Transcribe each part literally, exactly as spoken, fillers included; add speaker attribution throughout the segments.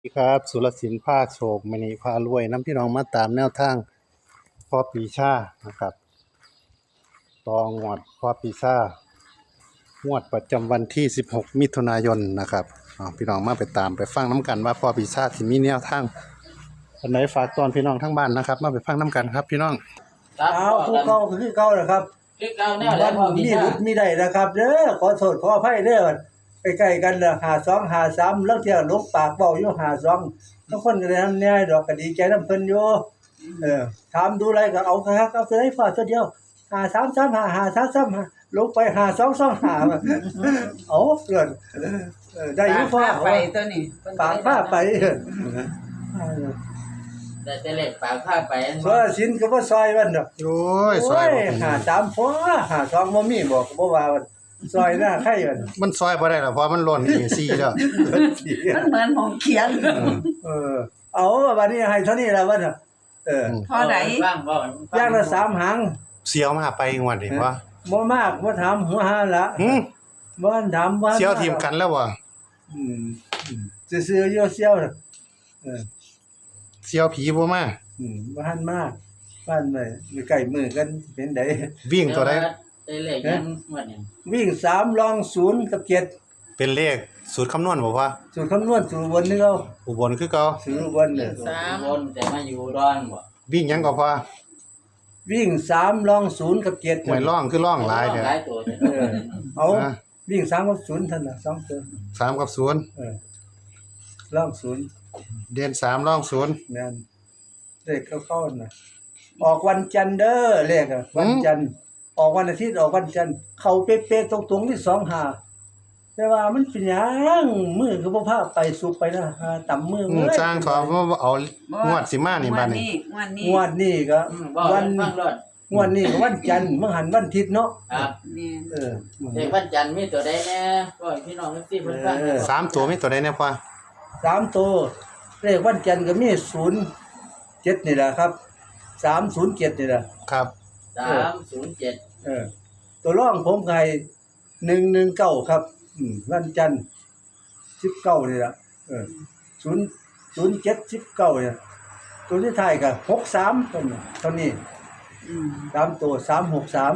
Speaker 1: สวัสดีครับสุรศิลป์พาโชคมณีพารวยน้ำพี่น้องมาตามแนวทางพ่อปีชานะครับตองวดพ่อปีชางวดประจำวันที่สิบหกมิถุนายนนะครับอ่าพี่น้องมาไปตามไปฟังน้ำกันว่าพ่อปีชาที่มีแนวทางอันไหนฝากตอนพี่น้องทั้งบ้านนะครับมาไปฟังน้ำกันครับพี่น้อง
Speaker 2: ครับ
Speaker 3: เอาผู้เก่าก็คือเก่าแหละครับ
Speaker 2: คือเก่าแน่
Speaker 3: วั
Speaker 2: แล้ว
Speaker 3: น
Speaker 2: พ่อ
Speaker 3: มี
Speaker 2: พี่ชา
Speaker 3: รุดมีได้นะครับเด้อขอโทษขออภัยเด้อใกล้ๆกันละหาสองหาสามแล้วเที่ยวลบปากเว้าอยู่หาสองบางคนก็ได้ทำแน่ดอกก็ดีใจนำเพิ่นอยู่เออถามดูอะไรก็เอาคักๆเอาตัวใดฝากตัวเดียวหาสาม สาม ห้า ห้า สาม สาม ห้าลงไปหาสอง สอง ห้าเอาเกินเออได้อยู่
Speaker 4: ฟ้า
Speaker 3: ฟ้า
Speaker 4: ไปตัวนี้
Speaker 3: ปากผ้าไป
Speaker 2: แต่แต่เล็กปากผ้าไปอัน
Speaker 3: ซอยสินก็บ่ซอยมันดอก
Speaker 1: โอ้ยซ
Speaker 3: โอ้
Speaker 1: อย
Speaker 3: ย
Speaker 1: บ่เป็น
Speaker 3: หาสามพอหาสองบ่มีบอกก็บ่ว่ามันซอยหน้าไข่มัน
Speaker 1: มันซอยบ่ได้หรอกเพราะมันหล่นอีซี่แล้ว
Speaker 4: มันเหมือนหงเขียน
Speaker 3: เออเอาวันนี้ให้เท่านี้แล้ววะน่ะเออ
Speaker 4: เท่าไหร่
Speaker 2: ฟังบ่ฟั
Speaker 3: อย่างละสามหาง
Speaker 1: เสียวมาไปงวดนี่ว่า
Speaker 3: บ่มากบ่ถามหัวหาละ
Speaker 1: หืม
Speaker 3: บ่ถามว่า
Speaker 1: เสียวทีมกันแล้วบ่
Speaker 3: อืมอืมซื่อๆอยู่เสียวน่ะเออ
Speaker 1: เสียวผีบ่มา
Speaker 3: อืมบ่ทันมาบ้านไว้อยู่ใกล้มือกันเป็นได
Speaker 1: วิ่งตัวใด
Speaker 2: แต่เล็กยังหมดนี่
Speaker 3: วิ่งสามรองศูนย์กับเจ็ด
Speaker 1: เป็นเลขสูตรคำนวณบ่พ่อ
Speaker 3: สูตรคำนวณสูตรบนนี่เอา
Speaker 1: อุบลคือเก่า
Speaker 3: สูตรบนเนี่ย
Speaker 2: สามคนแต่มาอยู่ดอนบ่
Speaker 1: วิ่งหยังก็พ่อ
Speaker 3: วิ่งสามรองศูนย์กับเจ็ด
Speaker 1: หวยร่องคือร่องหลายเด้อ
Speaker 2: หลายตัวเด้
Speaker 3: เออ
Speaker 2: อ
Speaker 3: เอา
Speaker 1: นะ
Speaker 3: วิ่งสามกับศูนย์เท่านั้นน่ะสองตัว
Speaker 1: สามกับศูนย์
Speaker 3: เออรองศูนย์
Speaker 1: เดือนสามร่องศูนย์
Speaker 3: แม่นเลขเข้าๆน่ะออกวันจันทร์เด้อเลขอะวันจันทร์ออกวันอาทิตย์ออกวันจันทร์เข้าเป๊ะๆตรงๆที่สองหาแต่ว่ามันเป็นหยังมือก็บ่พาไปสุกไปนะหาต่ำมือ
Speaker 1: อืม
Speaker 3: เอ้ย
Speaker 1: จ้างทอมาเอางวดสิมานี่บัดนี้
Speaker 4: งวดนี้
Speaker 3: งวดนี้ก็
Speaker 2: อืมบ่
Speaker 3: วัน
Speaker 2: ฟังรถ
Speaker 3: งวดนี้ก็วันจันทร์มื้อหันวันอาทิตย์เนาะ
Speaker 2: ครับ
Speaker 4: นี่
Speaker 3: เออ
Speaker 2: เด็กวันจันทร์มีตัวใดแน่ก็ให้พี่น้องทั้งสี่เพิ่นฟัง
Speaker 3: เออ
Speaker 1: สามตัวมีตัวใดเนี่ยพ่อ
Speaker 3: สามตัวเลขวันจันทร์ก็มีศูนย์เจ็ดนี่แหละครับสามศูนย์เจ็ดนี่แหละ
Speaker 1: ครับ
Speaker 2: สามศูนย์เจ็ด
Speaker 3: เออตัวร่องผมไก่หนึ่งหนึ่งเก้าครับ อืมวันจันทร์สิบเก้านี่ละเออศูนย์ศูนย์เจ็ดสิบเก้าเนี่ยตัวที่ท้ายก็หกสามตัวนี้เท่านี้
Speaker 4: อืม
Speaker 3: ตามตัวสามหกสาม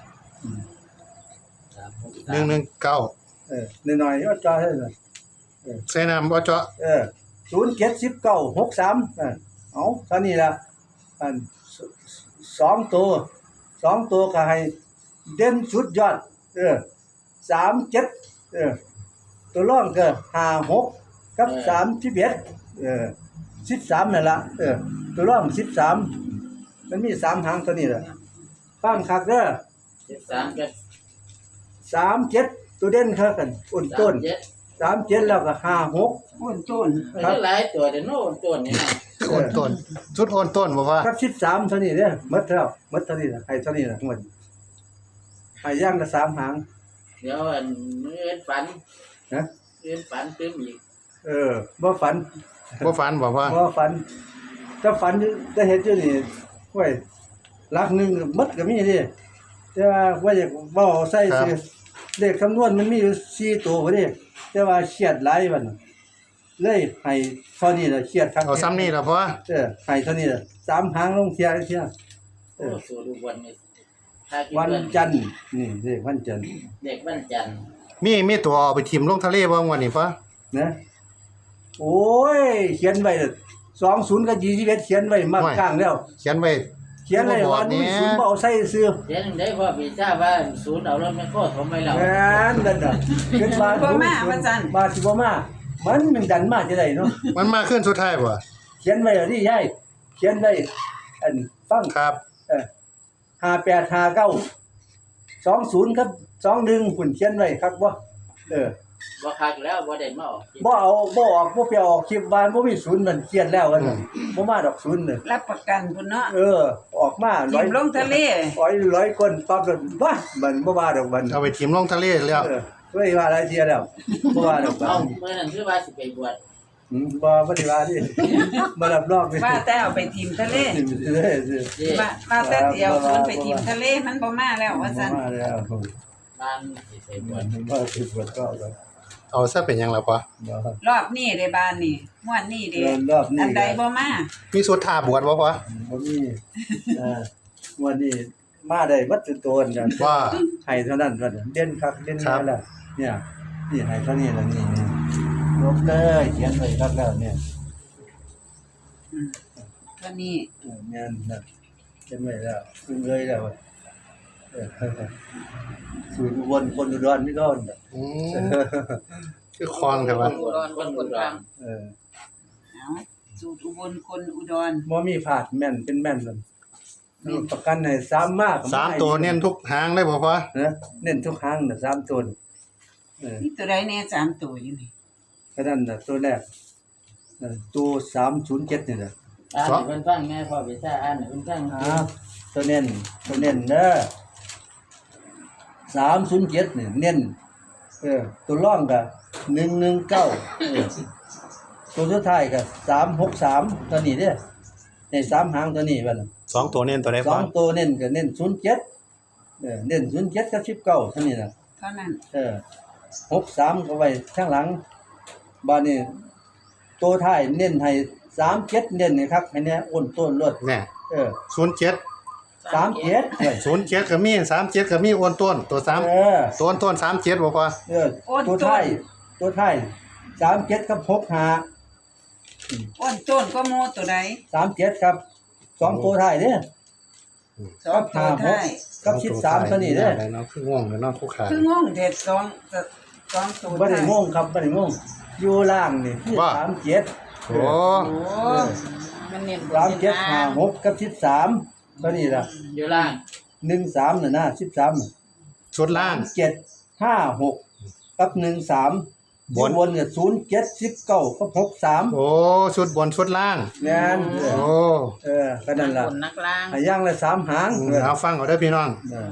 Speaker 2: สามหก
Speaker 1: ห
Speaker 2: สา
Speaker 1: นึ่ง
Speaker 2: ม
Speaker 1: หนึ่งเก้า
Speaker 3: เออหน่อยๆก็จอให้หน่อย
Speaker 1: ใส่น้ำบ่เจาะ
Speaker 3: เออศูนย์เจ็ดสิบเก้าหกสามเออเอาเท่านี้ละอันสสองตัวสองตัวก็ให้เด่นสุดยอด เออสามเจ็ดเออ ตัวร่องก็ห้าหกกับสามสิบเอ็ดเออสิบสามนั่นละเออ ตัวร่องสิบสามมันมีสามหางตัวนี้แหละฟังคักเด้อ
Speaker 2: สิบสามกับ
Speaker 3: สามเจ็ดตัวเด่นครับกันอุ่นต้น
Speaker 2: สามเจ็ด
Speaker 3: สามเจ็ดแล้วก็ห้าหก
Speaker 4: อ้วนต้น
Speaker 2: มันหลายตัวเดี๋ยวโน่นตัวนี่นะ
Speaker 1: โอนต้นชุดโอนต้นบ่พ่อ
Speaker 3: กับสิบสามเท่านี้เด้อหมดแล้วหมดเท่านี้ละให้เท่านี้ละหมดให้ย่างละสามหาง
Speaker 2: เดี๋ยวอันมื้อเอิ้นฝัน
Speaker 3: นะ
Speaker 2: เอิ้นฝันตึมอีก
Speaker 3: เออบ่ฝัน
Speaker 1: บ่ฝันบ่พ่อ
Speaker 3: บ่ฝันถ้าฝันจะเห็นอยู่นี่ห้วยหลักหนึงหมดก็มีดิแต่ว่าว่าอยากเว้าใส่สิเลขคำนวณมันมีอยู่สี่ตัวพอดีแต่ว่าเครียดหลายบัดน่ะเลยให้เท่านี้ล่ะเครียดครับ
Speaker 1: เอาซ้ำนี่ล่ะพ่อ
Speaker 3: เออให้เท่านี้ล่ะสามหางลงเที่ยเที่ย
Speaker 2: โอ้สูดูวันนี้ถ้าคิด
Speaker 3: วัน
Speaker 2: ว่า
Speaker 3: จันทร์นี่เลขวันจันทร์
Speaker 2: เด็กวันจันทร์
Speaker 1: มีมีตัวเอาไปทิ่มลงทะเลบ่งวันนี้พ่อ
Speaker 3: นะโอ้ยเขียนไว้สองศูนย์กับยี่สิบเอ็ดเขียนไว้มากกลางแล้ว
Speaker 1: เขียนไว้
Speaker 3: เขียนเลยว่านี่ศูนย์บ่เอาใส่ซื้อ
Speaker 2: เดี๋ยวนึงได้พ่อพี่ทราบว่าศูนย์เอารถแมคโครถมไปแล้ว
Speaker 3: แม่นนั่นน่ะเกิดมามาสิบ่มามันมันดันมาจะได้เนาะ
Speaker 1: มันมาขึ้นสุดท้ายบ่
Speaker 3: เขียนไว้แล้วนี่ยายเขียนไว้อันฟัง
Speaker 1: ครับ
Speaker 3: เออห้าแปดห้าเก้าสองศูนย์ครับสองหนึ่งหุ่นเขียนไว้ครับบ่เออ
Speaker 2: บ่คักแล้วบ่ได้มาออก
Speaker 3: บ่เอาบ่ออกบ่ไปออกคลิปบ้านบ่มีศูนย์มันเครียดแล้วกันน่ะบ่มาดอกศูนย์น่ะ
Speaker 4: รับประกันพุ่นเนาะ
Speaker 3: เออ ออกมาร้
Speaker 4: ทิ
Speaker 3: อย
Speaker 4: มลงทะเล
Speaker 3: ร้อยร้อยคนปั๊บแล้วว่ามันบ่ว่าดอกมัน
Speaker 1: เอาไปทิ่มลงทะเลแล้ว
Speaker 3: เออเคยว่าหลายเที่ยแล้วบ่ว่าดอก
Speaker 2: เอา
Speaker 3: มัน
Speaker 2: เมื่อนั้นคือว่าสิไปบวช
Speaker 3: อืมบ่บ่ได้ว่าดิบ่รับรองนี่
Speaker 4: ว่าแต่เอาไปทิมทะเล
Speaker 3: เด้อ
Speaker 2: เด้
Speaker 4: ว่าว่าแต่เดียวชวนไปทิมทะเลมันบ่มาแล้วว่าซั่น
Speaker 3: มาแล้ว
Speaker 2: บ้านสิไปบวช
Speaker 3: บ่สิบวชก็ก็
Speaker 1: เอาซะเป็นหยังล่ะพ่อ
Speaker 3: บ่
Speaker 4: รอบนี้ได้บ้านนี่ม่วนนี่เด้
Speaker 3: รอบนี้
Speaker 4: อันใดบ่มา
Speaker 1: มีสุดท่าบวชบ่พ่อ
Speaker 3: บ่มีเอ่อวันนี้มาได้วัดจุโตนกัน
Speaker 1: ว่า
Speaker 3: ให้เท่านั้นว่าเด่นคักเด่น
Speaker 1: ครั
Speaker 3: แน่
Speaker 1: บ
Speaker 3: แล้วเนี่ยนี่ให้เท่านี้แล้วนี่นี่ยกเลยเขียนไว้คักแล้วเนี่ย
Speaker 4: อืมเท่านี้
Speaker 3: เออแม่นนะเขียนไว้แล้วขึ้นเลยแล้วเออสูตรอุบลคนอุดรนี่ก็
Speaker 1: อืมคือคลองแต่ว่า
Speaker 4: อุดรคนอุดร
Speaker 3: เออ
Speaker 4: เอาสูตรอุบลคนอุดร
Speaker 3: บ่มีผาดแม่นเป็นแม่นเลยประกันให้สามมาก
Speaker 1: สามตัวเน้นทุกหางเลยบ่พ่อ
Speaker 3: นะเน้นทุกครั้งน่ะสามตัวเออ
Speaker 4: นี่ตัวใดแน่สามตัวอยู่นี่
Speaker 3: ก็นั่นน่ะตัวแรกเออตัวสามศูนย์เจ็ดนี่แหละ
Speaker 2: อ่านให้เพิ่นฟังไงพ่อพิชาอ่านให้เพิ่นฟัง
Speaker 3: อ่าตัวเน้นตัวเน้นเด้อสามศูนย์เจ็ดนี่เน้นเออตัวร่องก็หนึ่งหนึ่งเก้าเออตัวสุดท้ายก็สามหกสามตัวนี้เด้อในสามหางตัวนี้บัดน่ะ
Speaker 1: สองตัวเน้นตัวใด
Speaker 3: ส
Speaker 1: พ่
Speaker 3: อ
Speaker 1: อง
Speaker 3: ตัวเน้นก็เน้นศูนย์เจ็ดเออเน้นศูนย์เจ็ดกับสิบเก้าเท่านี้น่ะ
Speaker 4: เท่านั้น
Speaker 3: เออหกสามก็ไว้ข้างหลังบ้านนี้ตัวท้ายเน้นให้สามเจ็ดเน้นให้ครับให้เนี่ยอ้นต้นรถ
Speaker 1: แน่
Speaker 3: เออ
Speaker 1: ศูนย์เจ็ด
Speaker 3: สามเจ็ดเว้ย
Speaker 1: ศูนย์เจ็ดก็มีสามเจ็ดก็มีโอนต้นตัวสาม
Speaker 3: เออ
Speaker 1: ตัวต้นสามเจ็ดบ่พ่อ
Speaker 3: เออตัวท้ายตัวท้ายสามเจ็ดกับหกห้า
Speaker 4: อ้นต้นก็โมตัวใด
Speaker 3: สามเจ็ดครับสองตัวท้ายเด้อ
Speaker 4: สองตัวท้าย
Speaker 3: กับสิบสามเท่านี้เด้อ
Speaker 1: อะไรเนาะคือง่วงเลยเนาะคู่ขา
Speaker 4: คืองงเด็ดสองสองตัว
Speaker 3: บ่ได้
Speaker 4: ท้าย
Speaker 3: งงครับบ่ได้งงอยู่ล่างนี่คือ
Speaker 1: ว่า
Speaker 3: สามเจ็ด
Speaker 1: โอ้
Speaker 4: โอ้มันเน้นบน
Speaker 3: สามเจ็ด
Speaker 4: น้น
Speaker 3: ห้าหกกับสิบสามเท่านี้ล่ะ
Speaker 2: อยู่ล่าง
Speaker 3: หนึ่งสามน่ะนะสิบสามน่ะ
Speaker 1: ชุดล่าง
Speaker 3: เจ็ดห้าหกกับหนึ่งสาม
Speaker 1: บน
Speaker 3: บนกับศูนย์เจ็ดสิบเก้ากับหกสาม
Speaker 1: โอ้ชุดบนชุดล่าง
Speaker 3: แม่นเอ
Speaker 1: โอ้
Speaker 3: อเออก็นั่นล่ะ
Speaker 4: บนนักล่าง
Speaker 3: ให้ย่างละสามหาง
Speaker 1: อืม
Speaker 3: เออ
Speaker 1: เอาฟังเอาได้อพี่น้อง
Speaker 3: เออ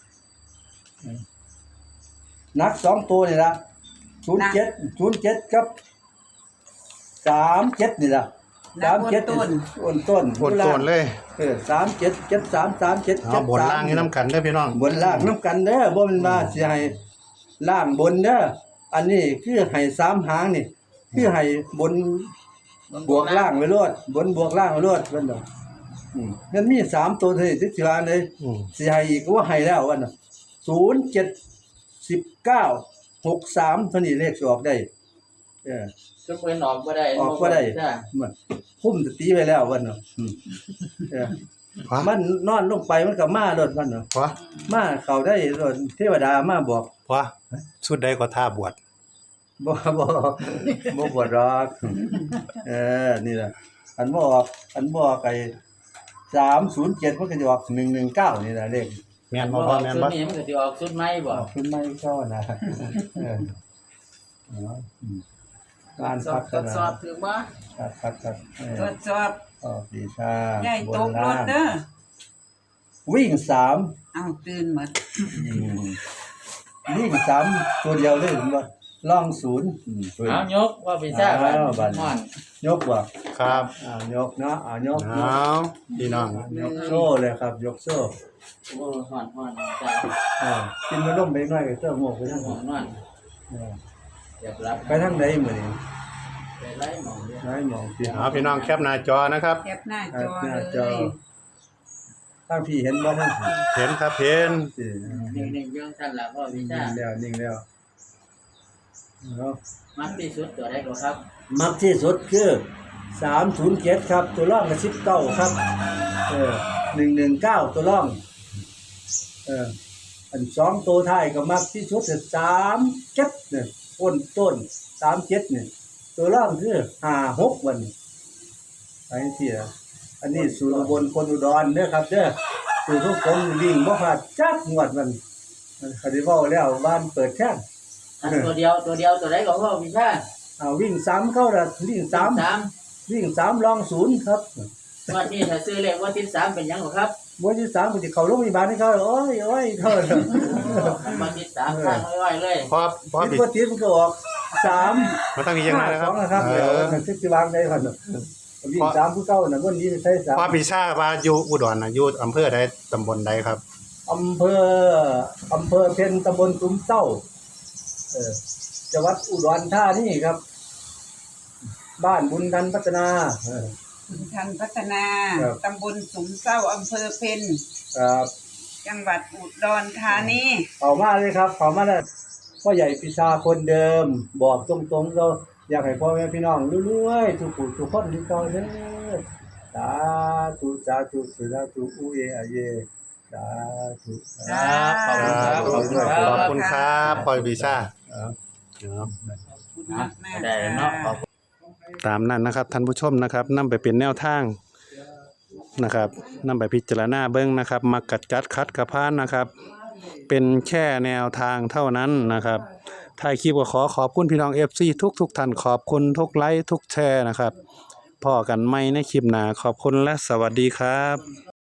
Speaker 3: นักสองตัวนี่ล่ะศูนย์เจ็ดศูนย์เจ็ดกับสามเจ็ดนี่ล่ะ
Speaker 4: นั
Speaker 3: สา
Speaker 4: บ
Speaker 3: ม
Speaker 4: บน
Speaker 3: เจ็ด
Speaker 4: ต้น
Speaker 3: อ้นต้น
Speaker 1: บนต้นเลย
Speaker 3: เออสามเจ็ดเจ็ดสามสามเจ็ด
Speaker 1: เอา
Speaker 3: เจ็ด
Speaker 1: บน
Speaker 3: สาม
Speaker 1: ล่างให้น้ำกันได้อพี่น้อง
Speaker 3: บนล่างน้ำกันเด้อบ่แมันมาสิให้ล่างบนเด้ออันนี้คือให้สามหางนี่คือให้บนบวกล่างไว้โลดบนบวกล่างไว้โลดเพิ่นดอกอืมมันมีสามตัวเท่านี้สิว่าเลย
Speaker 1: อืม
Speaker 3: สิให้อีกก็ว่าให้แล้ววันน่ะศูนย์ เจ็ด สิบเก้า หกสามเท่านี้เลขสิออกได้เออ
Speaker 2: ซุปเพิ่นออกบ่ได้
Speaker 3: ออกบ่ได้
Speaker 2: พ่พิชา
Speaker 3: มันคุ้มสติไว้แล้ววันน่ะอืมเออ
Speaker 1: พ่อ
Speaker 3: มันนอนลงไปมันก็มาโลดมันน่ะ
Speaker 1: พ่อ
Speaker 3: มาเข้าได้โลดเทวดามาบอก
Speaker 1: พ่อชุดใดก็ท่าบวช
Speaker 3: บ่บ่บ่บวชหรอกเออนี่ล่ะอันบ่ออกอันบ่ออกไอ้สามศูนย์เจ็ดมันก็จะออกหนึ่งหนึ่งเก้านี่ล่ะเลข
Speaker 1: แม่น
Speaker 2: บ่
Speaker 1: บ่
Speaker 2: อ
Speaker 1: พ่อ
Speaker 2: อก
Speaker 1: แม่น
Speaker 2: ชุด
Speaker 1: บ่
Speaker 2: นี้มันก็สิออกชุดใหม่บ่
Speaker 3: ออกขึ้นไม่เข้านะเอออ๋ออืมการ
Speaker 4: สอ
Speaker 3: พั
Speaker 4: บ
Speaker 3: ฒ
Speaker 4: ทด
Speaker 3: นา
Speaker 4: สอบถือบ่
Speaker 3: ครับครับครับเอ
Speaker 4: ท
Speaker 3: อ
Speaker 4: ดสอบ
Speaker 3: ออกดีชา
Speaker 4: ใหญ่ตกร
Speaker 3: ล่า
Speaker 4: ถ
Speaker 3: ง
Speaker 4: เด้อ
Speaker 3: วิ่งสาม
Speaker 4: เอาตื่นหมด
Speaker 3: อืมวิ่งสามตัวเดียวเลยผมว่าล่องศูนย์อืมตัว
Speaker 2: เอายกพ่อพิชา
Speaker 3: อ้าวบัด
Speaker 2: ม่อน
Speaker 3: ยกว่ะ
Speaker 1: ครับ
Speaker 3: อ่ายกเนาะอ่ายกย
Speaker 1: เอา
Speaker 3: ก
Speaker 1: พี่น้อง
Speaker 3: ยกโซ่เลยครับ ยกโซ่
Speaker 2: โอ้ฮ้อนฮ้อนจ้า
Speaker 3: เออกินมาล่มไปหน่อยก็เสื้อหมวกไปทาง
Speaker 2: ฮ้อนนอน
Speaker 3: เออ
Speaker 2: เรียบรับ
Speaker 3: ไปทางใดมื้อนี้
Speaker 2: ไปไล่หมองเด้อ
Speaker 3: ไล่หมองสิ
Speaker 1: เอาพี่น้องแคปหน้าจอนะครับ
Speaker 4: แคปหน้า
Speaker 3: ครั
Speaker 4: จ
Speaker 3: บ
Speaker 4: อ
Speaker 3: หน้าจ
Speaker 4: เล
Speaker 3: อย ทางพี่เห็นบ่ทางพี่
Speaker 1: เห็นครับเห็น
Speaker 3: สิ
Speaker 2: นิ่งๆเรื่องท่านล่ะพ่อพิ
Speaker 3: นิ่ง
Speaker 2: ชา
Speaker 3: แล้วนิ่งแล้วเนาะ
Speaker 2: มักที่สุดตัวใดก็ครับ
Speaker 3: มักที่สุดคือสามศูนย์เจ็ดครับ ตัวร่องกับสิบเก้าครับ เออหนึ่งหนึ่งเก้าตัวร่อง เออ อันสองตัวท้ายก็มักที่สุดคือสามเจ็ดเนี่ยต้นต้นสามเจ็ดเนี่ยตัวร่องคือห้าหกวันไอ้เสียอันนี้สูตรอุบนคนอุดรเด้อครับเด้อสูตรทุกคนวิ่งบ่พลาดจักงวดมันคดีเว้าแล้วบ้านเปิดแท่ง
Speaker 2: อันตัวเดียวตัวเดียวตัวใดก็พ่อพิชา
Speaker 3: เอาวิ่งสามเข้าละวิ่งสาม
Speaker 2: สาม
Speaker 3: วิ่งสามลองศูนย์ครับ
Speaker 2: วันนี้ถ้าซื้อเลขวันที่สามเป็นหยังบ่ครับ
Speaker 3: วันที่สามผมจะเข้าโรงพยาบาลให้เขาโอ้ยโอ้ยเขา
Speaker 2: วันที่สามทางไว้ๆเลย
Speaker 1: พ่อพ่อ
Speaker 3: ติด
Speaker 1: พี่
Speaker 3: ก็ติดมันก็ออกสาม
Speaker 1: มันต้องมีอย่างไรนะค
Speaker 3: ส
Speaker 1: รั
Speaker 3: อบ งนะครับ
Speaker 1: เอ
Speaker 3: เดี๋ยว
Speaker 1: อ
Speaker 3: มันสิบวางได้ก่อนวิ่งสามผู้เก้าน่ะวันนี้ใช้สาม
Speaker 1: พ่อพี่ชาว่าอยู่อุดรน่ะอยู่อำเภอใดตำบลใดครับ
Speaker 3: อำเภออำเภอเพ็ญตำบลตุ้มเต้าเออจังหวัดอุดรธานีครับ บ้านบุญทันพัฒนาเออ
Speaker 4: คุณทันพัฒนา
Speaker 3: ครับ
Speaker 4: ตำบลสุมเศร้าอำเภอเพ็ญ
Speaker 3: ครับ
Speaker 4: จังหวัดอุดรธานี
Speaker 3: เข้ามาเลยครับเข้ามาเลยพ่อใหญ่ปีชาคนเดิม บอกตรงๆเราอยากให้พ่อแม่พี่น้องรวยๆทุกผู้ทุกคนที่เก่าเด้อสาธุสาธุสาธุอุเออะเยสาธุ
Speaker 2: ครับขอบคุณครับ
Speaker 1: ขอบคุณครับขอบคุณครับพลอยปีชา
Speaker 3: ครับ
Speaker 1: ครับ
Speaker 4: ขอบคุณมากมาก
Speaker 2: ได้เนาะขอบ
Speaker 1: ตามนั้นนะครับท่านผู้ชมนะครับนำไปเป็นแนวทางนะครับนำไปพิจารณาเบิ้งนะครับมักกัดจัดคัดกระพานนะครับ เป็นแค่แนวทางเท่านั้นนะครับท้ายคลิปก็ขอขอบคุณพี่น้อง เอฟ ซี ทุกทุกท่านขอบคุณทุกไลค์ทุกแชร์นะครับพอกันใหม่ในคลิปหน้าขอบคุณและสวัสดีครับ